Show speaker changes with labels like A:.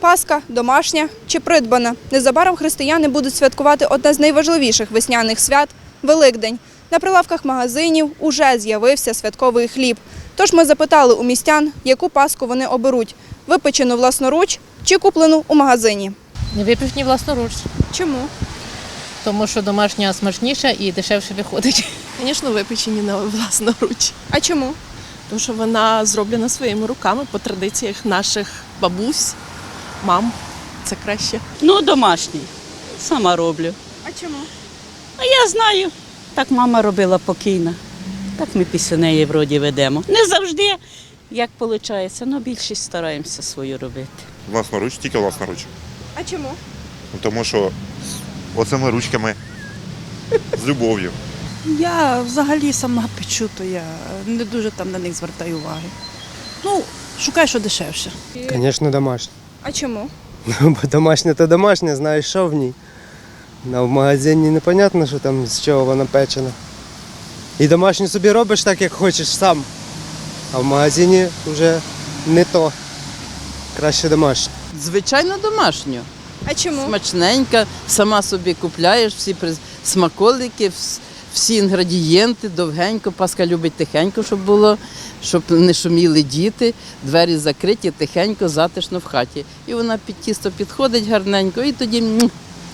A: Пасха – домашня чи придбана? Незабаром християни будуть святкувати одне з найважливіших весняних свят – Великдень. На прилавках магазинів уже з'явився святковий хліб. Тож ми запитали у містян, яку паску вони оберуть – випечену власноруч чи куплену у магазині.
B: Випечені власноруч,
A: Чому?
B: тому що домашня смачніша і дешевше виходить.
C: Звісно, випечені на власноруч.
A: А чому?
C: Тому що вона зроблена своїми руками по традиціях наших бабусь, мам. Це краще.
D: Ну, домашній. Сама роблю.
A: А чому?
D: А я знаю. Так мама робила покійна. Так ми після неї вроді ведемо. Не завжди, як виходить, але більшість стараємося свою робити.
E: Власноруч, тільки власноруч.
A: А чому?
E: Тому що оцими ручками, з любов'ю.
F: Я взагалі сама печу, то я не дуже там на них звертаю уваги. Ну, шукаю, що дешевше.
G: Звісно, домашнє.
A: А чому?
G: Бо домашнє то домашнє, знаєш, що в ній. А в магазині непонятно, що там з чого вона печена. І домашню собі робиш так, як хочеш сам. А в магазині вже не то. Краще домашнє.
H: Звичайно, домашню.
A: А чому?
H: Смачненька, сама собі купляєш всі смаколики, всі інгредієнти, довгенько. Паска любить тихенько, щоб було, щоб не шуміли діти, двері закриті, тихенько, затишно в хаті. І вона під тісто підходить гарненько, і тоді